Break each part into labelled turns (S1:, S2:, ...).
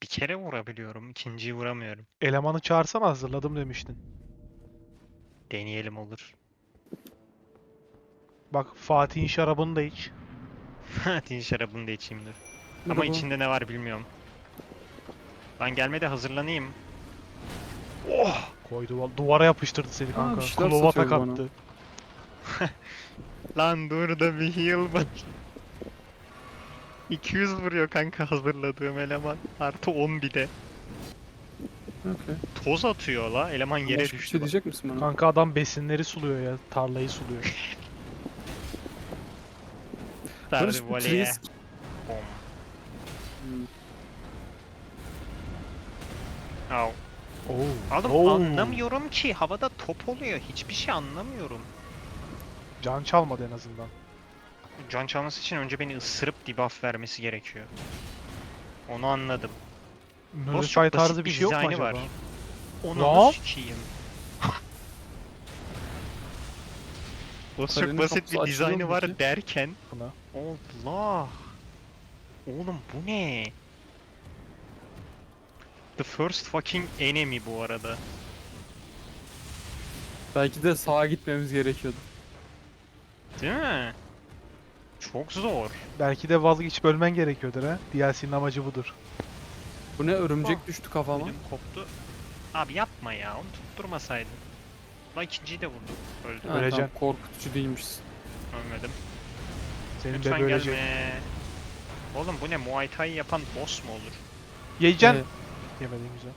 S1: Bir kere vurabiliyorum. İkinciyi vuramıyorum.
S2: Elemanı çağırsana, hazırladım demiştin.
S1: Deneyelim olur.
S2: Bak, Fatih'in şarabını da iç.
S1: Hadi şarabını da içeyim dur. Ama
S3: Merhaba.
S1: içinde ne var bilmiyorum. Ben gelmede hazırlanayım.
S2: Oh! Koydu, duvara yapıştırdı seni kanka.
S3: bir şeyler
S2: Klova
S3: satıyor
S2: tak
S3: bana.
S2: attı.
S1: Lan dur da bir heal bak. 200 vuruyor kanka hazırladığım eleman. Artı 10 bir de.
S3: Okey.
S1: Toz atıyor la. Eleman yere
S3: Başka bir
S1: düştü
S3: şey
S1: bak.
S3: diyecek misin bana?
S2: Kanka adam besinleri suluyor ya. Tarlayı suluyor.
S1: Sardı
S3: Barış, bu
S1: voleye.
S3: Trisk.
S1: Bom.
S3: Hmm.
S1: Au.
S2: Oo.
S1: Oğlum
S2: Oo.
S1: anlamıyorum ki. Havada top oluyor. Hiçbir şey anlamıyorum.
S2: Can çalmadı en azından.
S1: Can çalması için önce beni ısırıp debuff vermesi gerekiyor. Onu anladım. Boss çok
S2: Nullify tarzı
S1: basit
S2: bir
S1: bir
S2: şey yok mu
S1: dizaynı
S2: acaba?
S1: var. Onu
S2: Lan!
S1: sikeyim. Boss çok
S3: Kalenin
S1: basit
S3: kapısı
S1: bir
S3: açılıyor
S1: dizaynı
S3: mu
S1: var
S3: peki?
S1: derken
S2: Buna.
S1: Allah. Oğlum bu ne? The first fucking enemy bu arada.
S3: Belki de sağa gitmemiz gerekiyordu.
S1: Değil mi? Çok zor.
S2: Belki de vazgeçip ölmen gerekiyordur ha. DLC'nin amacı budur.
S3: Bu ne, örümcek
S1: Ah.
S3: düştü kafama.
S1: Ödüm koptu. Abi yapma ya, onu tutturmasaydın. La ikinciyi de vurdu. Öldü.
S3: Ha,
S2: Öleceksin.
S3: tamam, korkutucu değilmişsin.
S1: Ölmedim.
S2: Senin
S1: Lütfen
S2: bebe ölecek.
S1: gelme. Oğlum bu ne? Muay Thai yapan boss mu olur?
S2: Yiyeceksin.
S3: Ee,
S2: Yemedin güzel.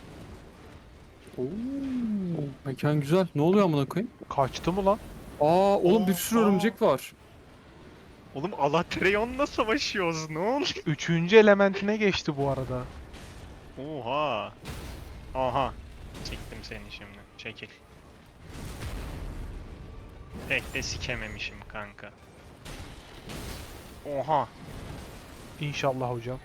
S3: Oo, mekan güzel. Ne oluyor amına koyayım?
S2: Kaçtı mı lan?
S3: Aa oğlum, bir sürü
S1: Aa.
S3: örümcek var.
S1: Oğlum Alatrion'la savaşıyoruz. Ne oluyor?
S2: Üçüncü elementine geçti bu arada.
S1: Oha. Aha. Çektim seni şimdi. Çekil. Pek de sikememişim kanka. Oha.
S2: İnşallah hocam.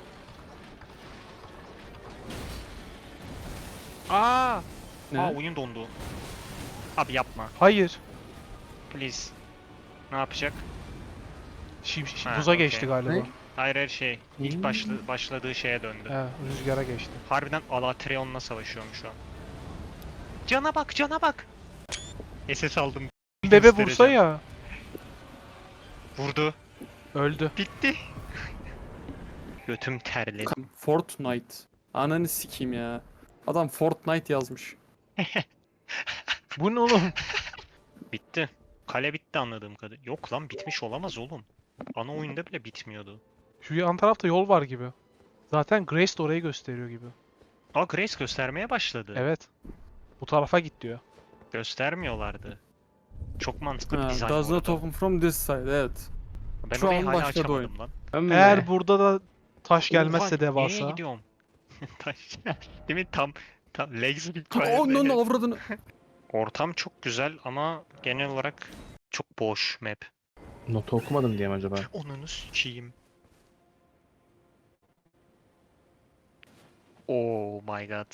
S1: Aa.
S3: Ne?
S1: Aa oyun dondu. Abi yapma.
S2: Hayır.
S1: Please. Ne yapacak? Ha,
S2: Buza
S1: okey.
S2: geçti galiba.
S3: Ne?
S1: Hayır her şey. İlk
S3: Hmm.
S1: başladığı şeye döndü.
S2: He, rüzgara geçti.
S1: Harbiden Alatreon'la savaşıyorum şu an. Cana bak, cana bak. SS aldım.
S2: Bebe vursa
S1: Göstereceğim.
S2: ya.
S1: Vurdu.
S2: Öldü.
S1: Bitti. Götüm terledi.
S3: Fortnite. Ananı sikeyim ya. Adam Fortnite yazmış.
S2: Bu ne oğlum?
S1: Bitti. Kale bitti anladığım kadarıyla. Yok lan bitmiş olamaz oğlum. Ana oyunda bile bitmiyordu.
S2: Şu yan tarafta yol var gibi. Zaten Grace de orayı gösteriyor gibi.
S1: Aa Grace göstermeye başladı.
S2: Evet. Bu tarafa git diyor.
S1: Göstermiyorlardı. Çok mantıklı bir
S3: Ha,
S1: dizayn
S3: does
S1: bu
S3: not
S1: arada.
S3: open from this side, evet.
S1: Ben
S3: Şu
S1: orayı
S3: an
S1: hala
S3: başladı
S1: açamadım lan.
S2: Eğer burada da taş gelmezse
S1: Oha, nereye
S2: devasa.
S1: gidiyorum? Taş- Değil mi? Tam legs
S3: Onun
S1: required.
S3: avradını.
S1: Ortam çok güzel ama genel olarak çok boş map.
S4: Notu okumadım diye mi acaba?
S1: Onunu sikeyim. Oh my god.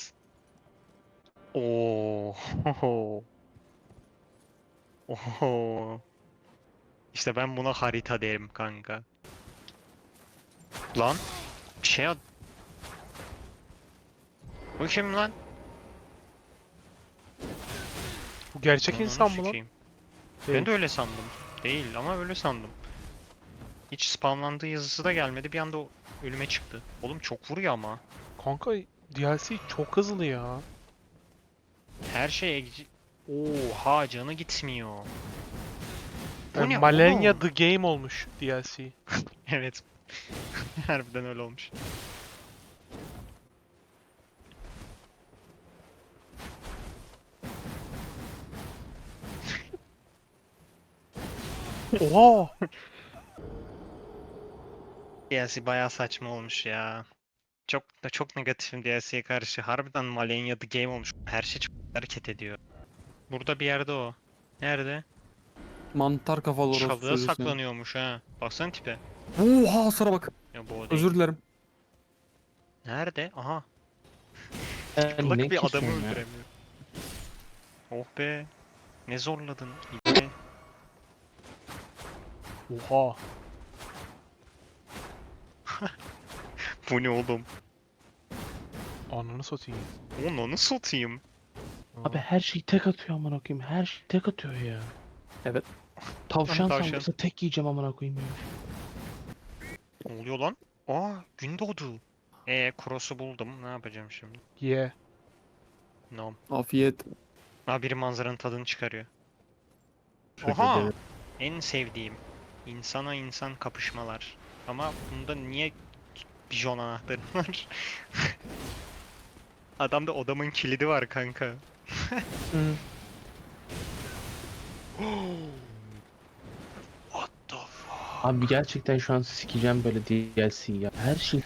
S1: Oh. Oh. İşte ben buna harita derim kanka. Lan bir şey at. Bu kim lan?
S2: Bu gerçek
S1: Onunu
S2: insan mı lan?
S1: sikeyim.
S2: Değil.
S1: Ben de öyle sandım. Değil ama öyle sandım. Hiç spamlandığı yazısı da gelmedi. Bir anda ölüme çıktı. Oğlum çok vuruyor ama.
S2: Kanka DLC çok hızlı ya.
S1: Her şey... Oha canı gitmiyor. Bu
S2: Yani
S1: ne
S2: Malenia
S1: oğlum?
S2: The Game olmuş DLC.
S1: Evet. Harbiden öyle olmuş.
S2: Oha!
S1: DLC bayağı saçma olmuş ya. Çok negatifim DLC'ye karşı. Harbiden Malenia The Game olmuş. Her şey çok hareket ediyor. Burada bir yerde o. Nerede?
S3: Mantar kafalı orospu
S1: Çalığa
S3: çocuğu seni.
S1: saklanıyormuş ha. Baksana tipe.
S3: Oha, hasara bak.
S1: Ya bu o değil.
S3: Özür dilerim.
S1: Nerede? Aha.
S4: Ben
S1: Kulak
S4: ne
S1: bir adamı
S4: kesiyorum ya?
S1: öldüremiyor. Oh be. Ne zorladın. İbne.
S2: Oha!
S1: Bu ne oğlum?
S2: Ananı satayım.
S1: Onu satayım.
S4: Abi her şeyi tek atıyor amına koyayım. Her şeyi tek atıyor ya.
S3: Evet.
S4: Tavşan
S1: Tavşan.
S4: sandıksa tek yiyeceğim amına koyayım ya.
S1: Ne oluyor lan? Aa, gün doğdu. Cross'u buldum. Ne yapacağım şimdi?
S2: Ye.
S1: No.
S3: Afiyet.
S1: Aa, biri manzaranın tadını çıkarıyor.
S4: Şöyle
S1: Oha!
S4: de-
S1: En sevdiğim. İnsana insan kapışmalar. Ama bunda niye bijon anahtarı var? Adamda odamın kilidi var kanka.
S2: Hı.
S1: What the fuck?
S4: Abi gerçekten şu an sikeceğim böyle DLC ya. Her şey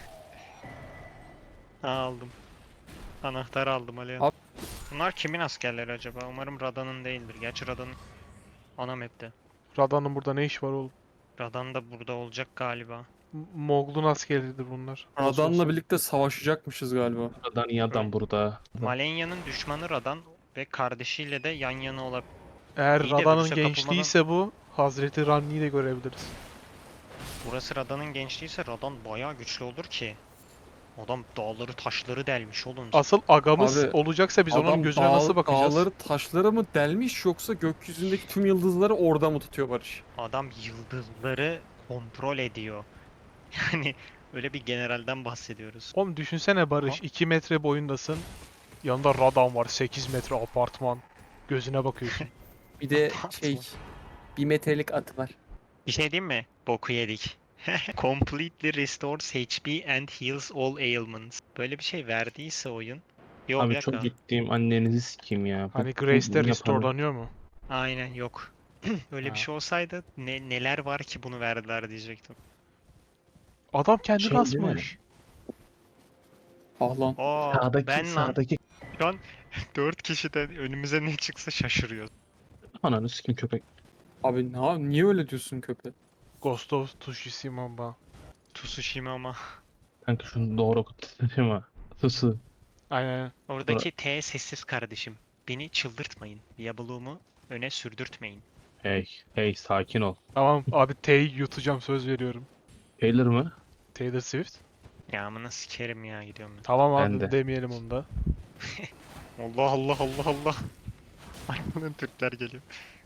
S1: Aldım. Anahtar aldım Alihan.
S3: Al.
S1: Bunlar kimin askerleri acaba? Umarım Rada'nın değildir. Gerçi Rada'nın ana map'te.
S2: Radan'ın burada ne iş var oğlum?
S1: Radan da burada olacak galiba.
S2: Mogul'un askeridir bunlar.
S3: Radan'la birlikte savaşacakmışız galiba.
S4: buradan iyi adam burada.
S1: Malenya'nın düşmanı Radan ve kardeşiyle de yan yana olabilir.
S2: Eğer
S1: İyi de
S2: Radan'ın
S1: virüse
S2: gençliğiyse bu, Hazreti Ranni'yi de görebiliriz.
S1: Burası Radan'ın gençliğiyse Radan bayağı güçlü olur ki. Adam dağları taşları delmiş oğlum.
S2: Asıl agamız
S3: Abi,
S2: olacaksa biz onun gözüne nasıl bakacağız?
S3: Dağları taşları mı delmiş yoksa gökyüzündeki tüm yıldızları orada mı tutuyor Barış?
S1: Adam yıldızları kontrol ediyor. Yani öyle bir generalden bahsediyoruz.
S2: Oğlum düşünsene Barış, 2 metre boyundasın. Yanında Radan var, 8 metre apartman. Gözüne bakıyorsun.
S3: Bir de
S1: Apartman.
S3: 1 metrelik atı var.
S1: Bir şey diyeyim mi? Boku yedik. Completely restores HP and heals all ailments. Böyle bir şey verdiyse oyun. Yok, bir
S4: Abi
S1: dakika.
S4: çok gittiğim annenizi sikeyim ya. Bu-
S2: Hani
S4: bu
S2: Grace'de
S4: yapanı-
S2: restorelanıyor mu?
S1: Aynen yok. Öyle
S2: Ha.
S1: bir şey olsaydı neler var ki bunu verdiler diyecektim.
S2: Adam kendi
S4: Şey değil mi?
S2: kasmış.
S3: Ah lan.
S1: Aa,
S4: Sağdaki,
S1: ben lan.
S4: sağdaki
S1: Şu an 4 kişiden önümüze ne çıksa şaşırıyoruz.
S4: ananı sikeyim köpek.
S3: Abi niye öyle diyorsun köpek?
S2: Ghost of Tsushima ba.
S1: Tsushima ama.
S4: Kanka şunu doğru okutayım ha. Susu.
S2: Aynen.
S1: Oradaki T sessiz kardeşim. Beni çıldırtmayın. Diablo'umu öne sürdürtmeyin.
S4: Hey sakin ol.
S2: Tamam abi T'yi yutacağım, söz veriyorum.
S4: Taylor mı?
S2: Taylor Swift.
S1: Ya amına sikerim ya, gidiyorum ben.
S2: Tamam
S4: Ben
S2: abi
S4: de.
S2: demeyelim onu da.
S1: Allah Allah Allah Allah. Arkadan Türkler geliyor.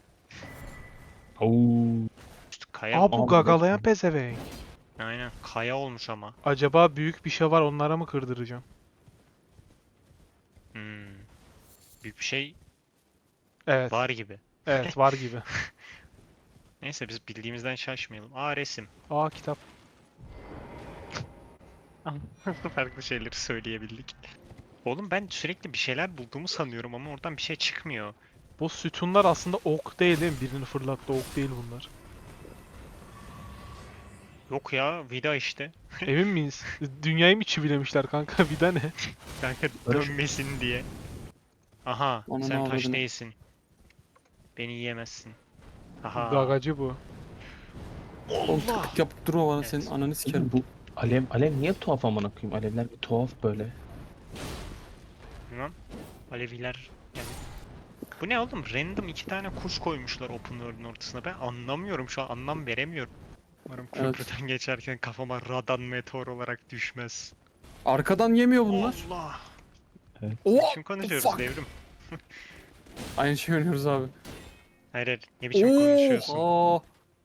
S4: Oo.
S1: Kaya
S2: Aa bu
S4: Abi,
S2: gagalayan
S4: bakın.
S2: pezevenk.
S1: Aynen kaya olmuş ama.
S2: Acaba büyük bir şey var, onlara mı kırdıracağım?
S1: Hmm. Büyük bir şey
S2: Evet.
S1: var gibi.
S2: Evet var gibi.
S1: Neyse biz bildiğimizden şaşmayalım. Aa, resim.
S2: Aa kitap.
S1: Farklı şeyleri söyleyebildik. Oğlum ben sürekli bir şeyler bulduğumu sanıyorum ama oradan bir şey çıkmıyor.
S2: Bu sütunlar aslında ok değil mi? Birini fırlattı, ok değil bunlar.
S1: Yok ya, vida işte.
S2: Emin miyiz? Dünyayı mı çivilemişler kanka? Vida ne?
S1: Kanka
S4: Barış.
S1: dönmesin diye. Aha,
S3: Ananı
S1: sen taş
S3: avradını.
S1: değilsin. Beni yiyemezsin. Aha.
S2: Gagacı bu.
S3: Oğlum
S1: Allah!
S3: tıkık yapıp durma bana,
S1: Evet.
S3: senin ananı sikerim.
S4: Bu alev niye tuhaf amına koyayım? Alevler bir tuhaf böyle.
S1: Bilmem. Aleviler yani. Bu ne oğlum? Random 2 tane kuş koymuşlar open world'ün ortasına. Ben anlamıyorum, şu an anlam veremiyorum. Umarım
S3: Evet.
S1: köprüden geçerken kafama radan meteor olarak düşmez.
S3: Arkadan yemiyor bunlar.
S1: Allah!
S3: Oha!
S1: Kim konuşuyoruz
S3: fuck.
S1: devrim?
S3: Aynı şey oynuyoruz abi.
S1: Hayır hayır, ne biçim konuşuyorsun?
S3: Aa,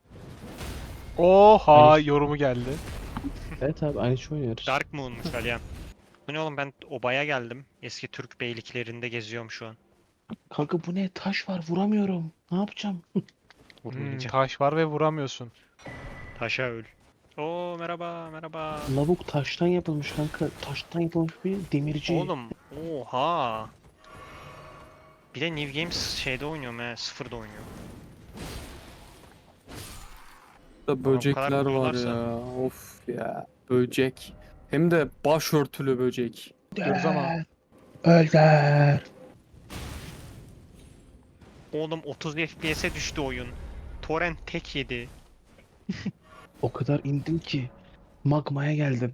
S2: Oha
S4: Hayır.
S2: yorumu geldi.
S4: Evet abi aynı şey oynuyoruz.
S1: Dark Moon'muş Aliyan. Bu ne oğlum, ben obaya geldim. Eski Türk beyliklerinde geziyorum şu an.
S4: Kanka bu ne? Taş var vuramıyorum. Ne yapacağım?
S1: Vurmayacağım.
S2: Taş var ve vuramıyorsun.
S1: Taşa öl. Oo, merhaba merhaba.
S4: Lavuk taştan yapılmış kanka. Taştan yapılmış bir demirci.
S1: Oğlum oha. Bir de New Games şeyde oynuyorum he, sıfırda oynuyor.
S3: da böcekler var
S1: vuruyorlarsa.
S3: ya. Of ya. Böcek. Hem de başörtülü böcek.
S2: Diyoruz ama.
S4: Öldür.
S1: Oğlum 30 FPS'e düştü oyun. Torrent tek yedi.
S4: O kadar indim ki magmaya geldim.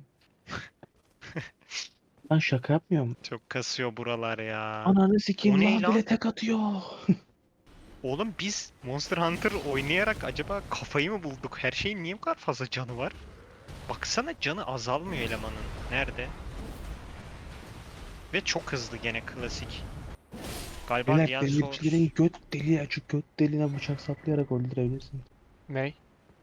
S4: Ben şaka yapmıyorum.
S1: Çok kasıyor buralar ya.
S4: Ananı sikeyim
S1: O ne
S4: lan
S1: lan?
S4: bile tek atıyor.
S1: Oğlum biz Monster Hunter oynayarak acaba kafayı mı bulduk? Her şeyin niye bu kadar fazla canı var? Baksana, canı azalmıyor elemanın. Nerede? Ve çok hızlı gene klasik. Galiba
S4: Beyler
S1: diğer
S4: demircilerin göt deliği açık, göt deliğine bıçak saplayarak öldürebilirsin.
S2: Ney?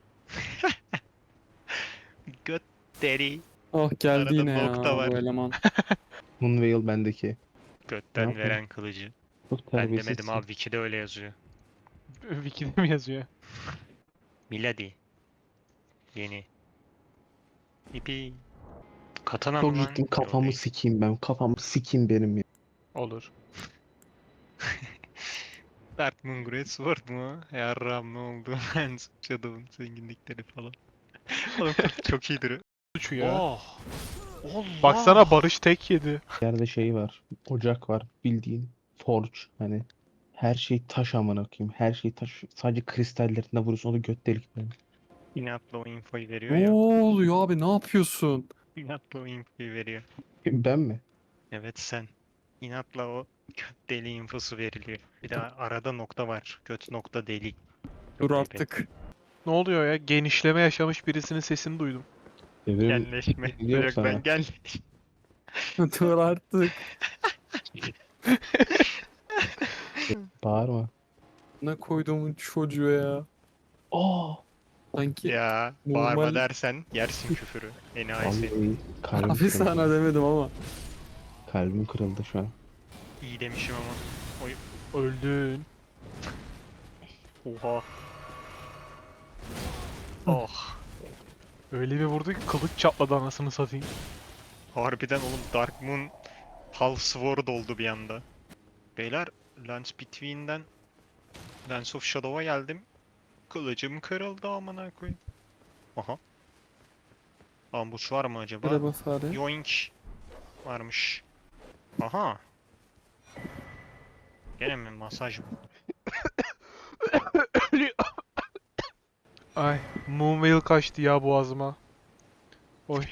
S1: göt deri.
S3: Ah geldi
S1: Arada
S3: yine ya
S1: nokta var.
S3: bu eleman.
S4: Moonveil bendeki. Ne
S1: Götten
S4: yapayım?
S1: veren kılıcı.
S4: Çok
S1: Ben
S4: terbiyesizsin.
S1: demedim abi, Wiki'de öyle yazıyor.
S2: Wiki'de mi yazıyor?
S1: Milady. Yeni. İpi. Katana
S4: Çok
S1: mı lan?
S4: ciddiyim,
S1: Yo,
S4: kafamı
S1: değil.
S4: sikeyim ben. Kafamı sikeyim benim ya.
S2: Olur.
S1: Dark Moon Greatsword mu? Yarram ne oldu? Ben Shadow'un zenginlikleri falan. Oğlum kurt çok iyidir.
S2: Suçu ya.
S1: Oh! Allah!
S2: Baksana Barış tek yedi.
S4: Yerde şey var. Ocak var. Bildiğin. Forge. Hani her şey taş amına koyayım. Her şey taş. Sadece kristallerine vuruyorsun. O da göt delikleri.
S1: İnatla o infoyu veriyor
S3: Ne
S1: ya.
S3: oluyor abi, ne yapıyorsun?
S1: İnatla o infoyu veriyor.
S4: Ben mi?
S1: Evet sen. İnatla o göt deli infosu veriliyor. Bir de arada nokta var. Göt nokta deli.
S3: Dur
S1: ayıp
S3: artık.
S2: Ne oluyor ya? Genişleme yaşamış birisinin sesini duydum.
S4: Devrim
S1: Genleşme.
S4: Yok
S1: Yok
S4: sana.
S1: ben gel.
S3: Dur artık.
S4: bağırma.
S3: Ne koyduğumun çocuğu ya.
S4: Aa!
S3: Sanki
S1: Ya bağırma
S3: normal.
S1: dersen yersin küfürü. Enayisi.
S4: Vallahi kalbim
S3: Abi
S4: kırıldı.
S3: sana demedim ama.
S4: Kalbim kırıldı şu an.
S1: İyi demişim ama. Oy.
S2: Öldün.
S1: Oha. Oh.
S2: Öyle bir vurdu ki kılıç çatladı anasını satayım.
S1: Harbiden oğlum Dark Moon Half Sword oldu bir anda. Beyler Lance Between'den Lance of Shadow'a geldim. Kılıcım kırıldı amına koyayım. Aha. Ambush var mı acaba?
S3: Merhaba fare.
S1: Yoink varmış. Aha. Gene mi masaj mı?
S2: Ay, Moonveil kaçtı ya boğazıma. Oy.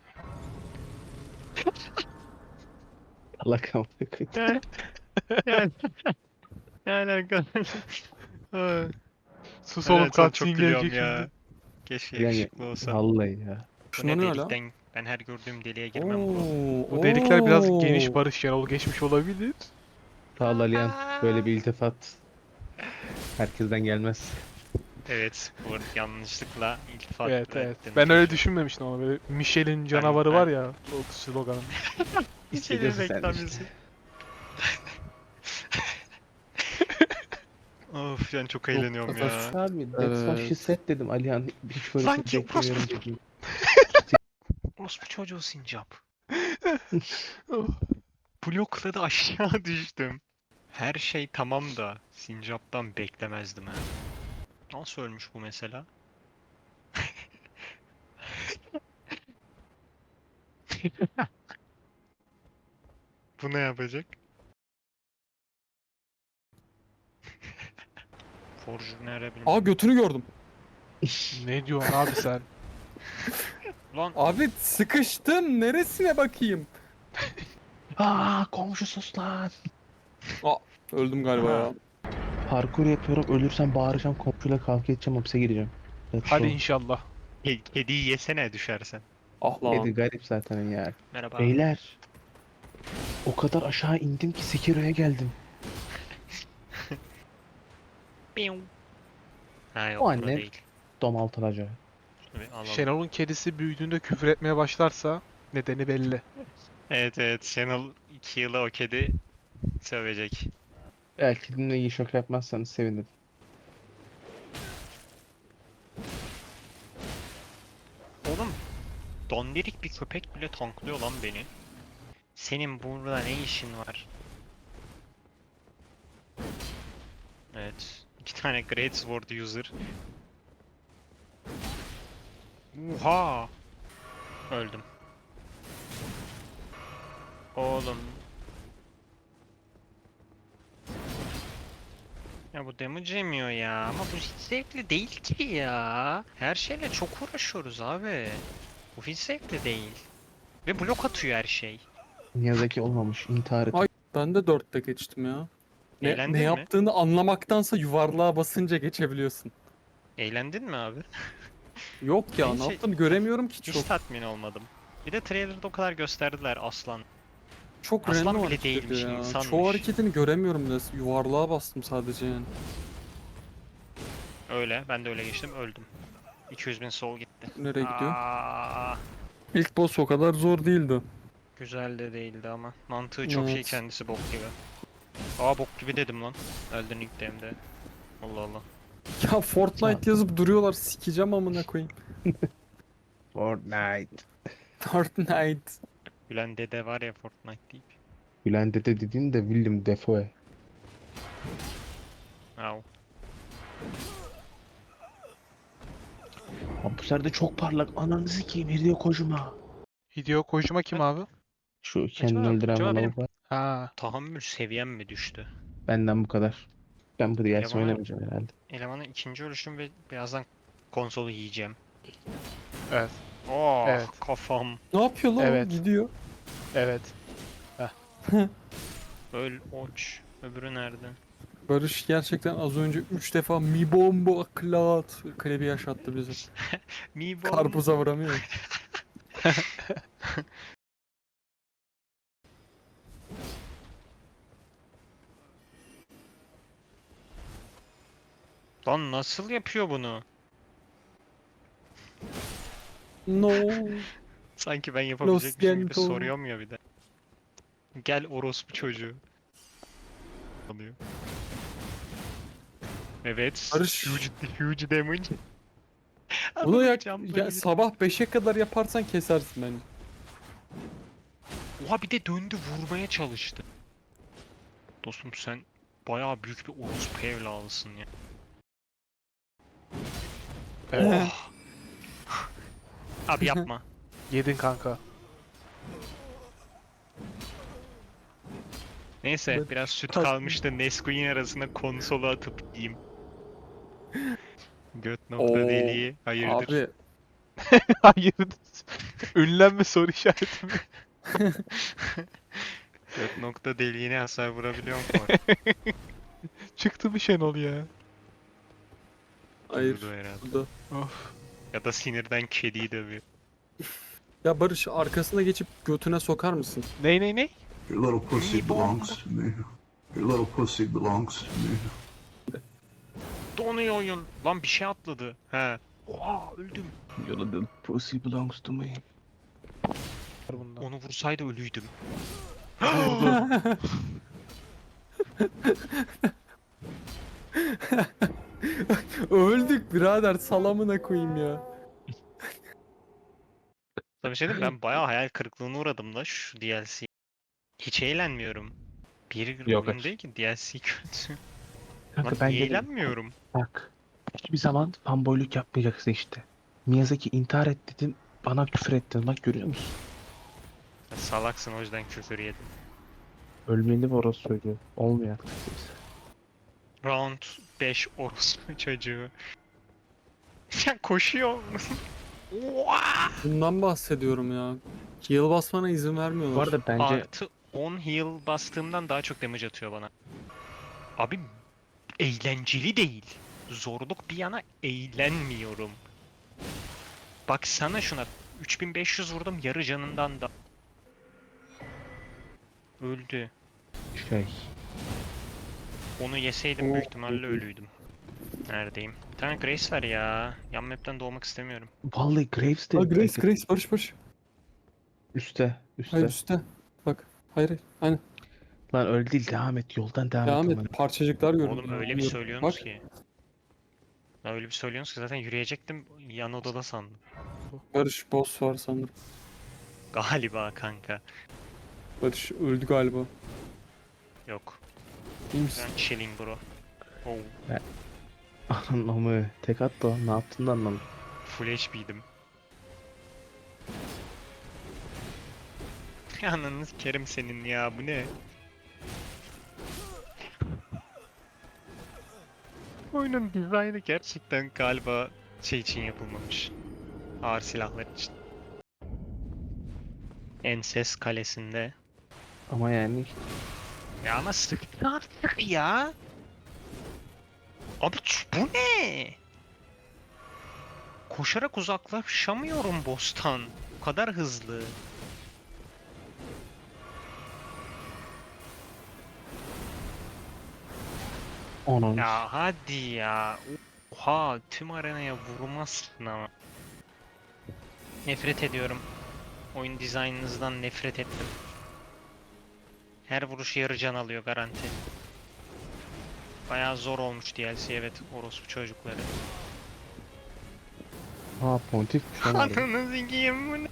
S4: Allah kahretsin.
S1: Yani, yani, ne alakalı? Ay,
S2: Sus
S1: Helal
S2: oğlum
S1: sana, çok
S2: cutscene
S1: gülüyorum
S2: gelecek
S1: ya.
S2: şimdi.
S1: Keşke
S4: Yani
S1: yakışıklı olsa.
S4: vallahi ya.
S1: Bu
S3: Şuna
S1: ne
S3: ne öyle?
S1: delikten? Ben her gördüğüm deliğe girmem bro.
S2: Bu delikler biraz geniş
S3: Oo.
S2: Barış Şenol geçmiş olabilir.
S4: Sağ ol Aliyan. Böyle bir iltifat herkesten gelmez.
S1: Evet, bu arada yanlışlıkla iltifat
S2: Evet evet.
S1: ettim.
S2: Ben öyle düşünmemiştim ama böyle Michelin canavarı
S1: ben-
S2: var ya o sloganı.
S4: Hissediyorsun sen de
S1: reklam
S4: işte.
S1: yüzü. Of yani çok eğleniyorum ya.
S4: Abi that's what she
S3: Evet.
S4: said dedim Alihan. Hiç böyle
S1: Sanki
S4: şey beklemiyorum
S1: orospu-
S4: dedim.
S1: Orospu çocuğu sincap. Blokladı aşağı düştüm. Her şey tamam da sincaptan beklemezdim ha. Nasıl ölmüş bu mesela? Bu ne yapacak? Forjur nerede bilmiyorum.
S3: Aa götünü gördüm.
S2: Ne diyorsun abi sen?
S1: Lan
S3: Abi sıkıştım. Neresine bakayım?
S4: Aa komşu sus lan.
S3: Öldüm galiba
S1: Aha.
S3: ya.
S4: Parkur yapıyorum. Ölürsem bağıracağım. Komşuyla kavga edeceğim. Hapse gireceğim. That's
S2: Hadi
S4: all.
S2: inşallah.
S1: kediyi yesene düşersen.
S3: Ah lan.
S4: Kedi garip zaten ya.
S1: Merhaba.
S4: Beyler. O kadar aşağı indim ki Sekiro'ya geldim.
S1: Piu. Ha yok
S4: O
S1: bura
S4: anne.
S1: değil.
S4: Domaltılacağı.
S1: Şöyle alalım.
S2: Şenol'un kedisi büyüdüğünde küfür etmeye başlarsa nedeni belli.
S1: Evet evet Channel 2 yıla o kedi sövecek.
S4: Belki dinle iyi şok yapmazsanız sevinirim.
S1: Oğlum dondirik bir köpek bile tanklıyor lan beni. Senin burada ne işin var? Evet. 2 tane Great Sword user. Oha! Öldüm. Oğlum. Ya bu damage yemiyor ya ama bu hiç zevkli değil ki ya. Her şeyle çok uğraşıyoruz abi. Bu hiç zevkli değil. Ve blok atıyor her şey.
S4: Miyazaki olmamış. İntihar et.
S3: Ay. Ben de 4'te geçtim ya.
S1: Eğlendin
S3: Ne
S1: mi?
S3: yaptığını anlamaktansa yuvarlığa basınca geçebiliyorsun.
S1: Eğlendin mi abi?
S3: Yok ya,
S1: Ben
S3: ne
S1: şey-
S3: yaptığını göremiyorum ki
S1: Hiç
S3: çok.
S1: tatmin olmadım. Bir de trailer'da o kadar gösterdiler aslan.
S3: çok
S1: Aslan
S3: random
S1: bile
S3: hareket
S1: değilmiş,
S3: ediyor ya.
S1: insanmış.
S3: Çoğu hareketini göremiyorum da yuvarlığa bastım sadece yani.
S1: Öyle. Ben de öyle geçtim. Öldüm. 200.000 sol gitti.
S3: Nereye gidiyor?
S1: Aa,
S3: İlk boss o kadar zor değildi.
S1: güzel de değildi ama. Mantığı çok iyi,
S3: Evet.
S1: kendisi bok gibi. Aa, bok gibi dedim lan. Elden Ring de. Allah Allah.
S3: Ya Fortnite yazıp duruyorlar, sikeceğim amına koyayım.
S4: Fortnite.
S3: Fortnite.
S1: Gülen dede var ya Fortnite deyip.
S4: Bülent Dede dediğin de Willem Dafoe.
S1: Au.
S4: Abi bu sefer de çok parlak. Ananı sikeyim Hideo Kojima.
S2: Hideo Kojima kim abi?
S4: Şu kendini
S1: Acaba,
S4: öldüren
S1: acaba benim
S4: lavuk var.
S2: Ha.
S1: tahammül seviyem mi düştü?
S4: Benden bu kadar. Ben bu DLC
S1: Elemanı-
S4: oynamayacağım herhalde.
S1: Elemanın ikinci ölüşüm ve birazdan konsolu yiyeceğim.
S2: Evet.
S1: Oh,
S2: Evet.
S1: kafam.
S3: Ne yapıyor lan o?
S2: Evet.
S3: Gidiyor.
S2: Evet.
S1: Öl oç. Öbürü nerede?
S3: Barış gerçekten az önce 3 defa mi bombo klat klibi yaşattı bizi.
S1: Mi bom.
S3: Karpuza vuramıyor.
S1: Lan nasıl yapıyor bunu?
S3: No.
S1: Sanki ben yapabilecekmişim gibi
S3: Gento.
S1: soruyorum ya bir de. Gel orospu çocuğu. Alıyor. Evet.
S3: Barış.
S1: Huge damage.
S3: Bunu
S1: Adamın
S3: ya
S1: jump'ları-
S3: sabah 5'e kadar yaparsan kesersin bence.
S1: Oha, bir de döndü vurmaya çalıştı. Dostum sen bayağı büyük bir orospu evladısın ya.
S2: Evet.
S1: Oh. Abi yapma.
S2: Yedin kanka.
S1: Neyse
S3: Evet,
S1: biraz süt
S3: kas-
S1: kalmıştı. Nesquik'in arasına konsolu atıp yiyeyim. Göt nokta
S3: Oo,
S1: deliği. Hayırdır?
S3: Abi
S2: Hayır. Ünlem mi soru işareti mi?
S1: Göt nokta deliğine hasar vurabiliyor mu?
S2: Çıktı bir Şenol ya.
S3: hayır.
S1: Vurdu herhalde.
S3: Burada.
S2: Of.
S1: Ya da sinirden kediyi dövüyor.
S3: Ya Barış arkasına geçip götüne sokar mısın?
S2: Ney?
S5: Your little pussy belongs to me. Your little pussy belongs to me.
S1: Donuyor oyun. Lan bir şey atladı. He. Oha öldüm.
S4: Your little pussy belongs to me.
S2: Bundan.
S1: Onu vursaydı ölüydüm.
S3: Öldük birader salamına koyayım ya.
S1: Tabii şey diyeyim, ben bayağı hayal kırıklığına uğradım da şu DLC. Hiç eğlenmiyorum. Bir
S4: Yok,
S1: oyun
S4: aç.
S1: değil ki DLC kötü.
S4: Kanka
S1: Lan
S4: ben
S1: niye
S4: gene
S1: eğlenmiyorum?
S4: bak. Hiçbir zaman fanboyluk yapmayacaksın işte. Miyazaki intihar et dedin. Bana küfür ettin. Bak görüyor musun?
S1: Sen salaksın, o yüzden küfür yedim.
S4: Ölmeli orası söylüyor. Olmuyor artık.
S1: Round 5 orospu çocuğu. Sen koşuyor. Oha!
S3: Bundan bahsediyorum ya. Heal basmana izin vermiyorlar.
S4: Bu arada bence
S1: Artı 10 heal bastığımdan daha çok damage atıyor bana. Abi eğlenceli değil. Zorluk bir yana eğlenmiyorum. Baksana şuna. 3500 vurdum yarı canından da. Öldü.
S4: şey
S1: Onu yeseydim büyük
S3: Oo.
S1: ihtimalle ölüydüm. Neredeyim? Bir tane Grace var ya. Yan map'ten doğmak istemiyorum.
S4: vallahi Graves de
S3: Aa, Grace Barış.
S4: üstte
S3: Hayır üstte. Bak. Hayır. Aynen.
S4: Lan öyle değil, devam et, yoldan devam
S3: Devam
S4: et.
S3: et. Parçacıklar göründü.
S1: Oğlum öyle bir
S3: Biliyorum.
S1: söylüyorsunuz
S3: Bak,
S1: ki. Ya öyle bir söylüyorsunuz ki zaten yürüyecektim. Yan odada sandım.
S3: Barış boss var sanırım.
S1: Galiba kanka.
S3: Barış öldü galiba.
S1: Yok.
S3: İyi misin?
S1: Ben chilling bro. Oh.
S4: Anlamı tek attı o, ne yaptığını da anlamadım.
S1: Full HP'ydim. Ananı kerim senin ya, bu ne? Oyunun dizaynı gerçekten galiba şey için yapılmamış. Ağır silahlar için. Enses kalesinde.
S4: Ama yani
S1: Ya ama sıktı artık ya. Abi bu ne? Koşarak uzaklaşamıyorum boss'tan. Bu kadar hızlı.
S4: Onun
S1: Ya hadi ya. Oha, tüm arenaya vurmazsın ama. Nefret ediyorum. Oyun dizaynınızdan nefret ettim. Her vuruş yarı can alıyor garanti. Bayağı zor olmuş DLC, evet, orospu çocukları.
S4: ha pontifmiş lan harbi.
S1: Ananı sikeyim bu ne?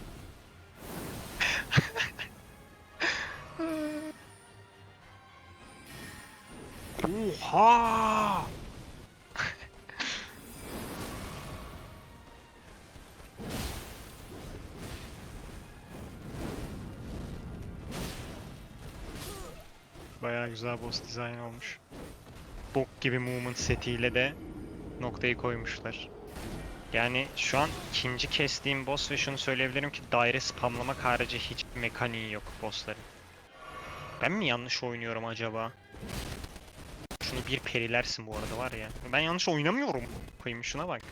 S1: Oha! Bayağı güzel boss design olmuş. Bok gibi movement setiyle de noktayı koymuşlar. Yani şu an ikinci kestiğim boss ve şunu söyleyebilirim ki daire spamlamak harici hiç mekaniği yok bossların. Ben mi yanlış oynuyorum acaba? Şunu bir perilersin bu arada var ya. Ben yanlış oynamıyorum. Koyayım şuna bak.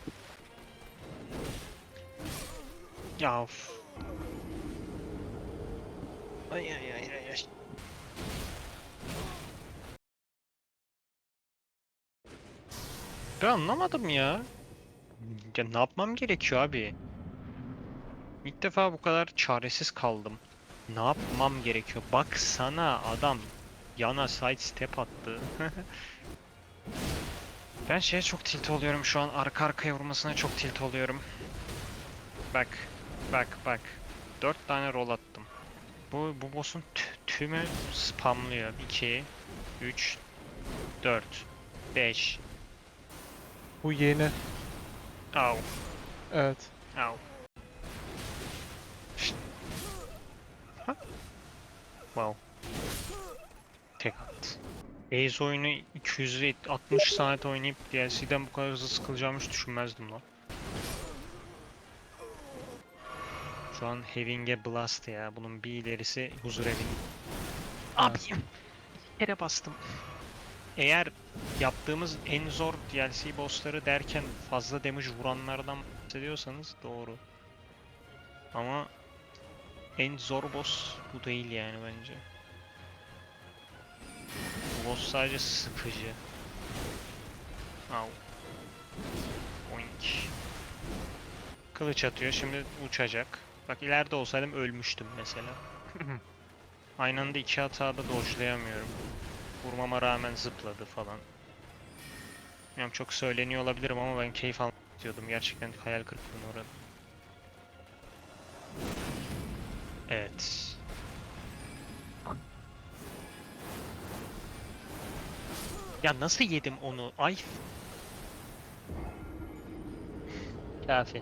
S1: Ya of. Ay ay ay ay ay. Ben anlamadım ya. Ya ne yapmam gerekiyor abi? İlk defa bu kadar çaresiz kaldım. Ne yapmam gerekiyor? Baksana adam yana side step attı. Ben şeye çok tilt oluyorum şu an, arka arkaya vurmasına çok tilt oluyorum. Bak, bak. 4 tane roll attım. Bu boss'un tümü spamlıyor. 2, 3, 4, 5.
S2: Bu yeni.
S1: Au,
S2: Evet.
S1: au. Şşt. Ha? Wow. Tek at. Ace oyunu 260 saat oynayıp DLC'den bu kadar hızlı sıkılacağımı hiç düşünmezdim lan. Şu an Having a Blast ya. Bunun bir ilerisi huzur evi. Abi bir kere bastım. Eğer yaptığımız en zor DLC bossları derken fazla damage vuranlardan bahsediyorsanız doğru. Ama en zor boss bu değil yani bence. Bu boss sadece sıkıcı. Au. Oink. Kılıç atıyor, şimdi uçacak. Bak ileride olsaydım ölmüştüm mesela. Aynı anda iki hata da dodge'layamıyorum. Vurmama rağmen zıpladı falan. Bilmiyorum, çok söyleniyor olabilirim ama ben keyif almak istiyordum. Gerçekten hayal kırıklığına uğradım. Evet. Ya nasıl yedim onu? Ay. Kafi.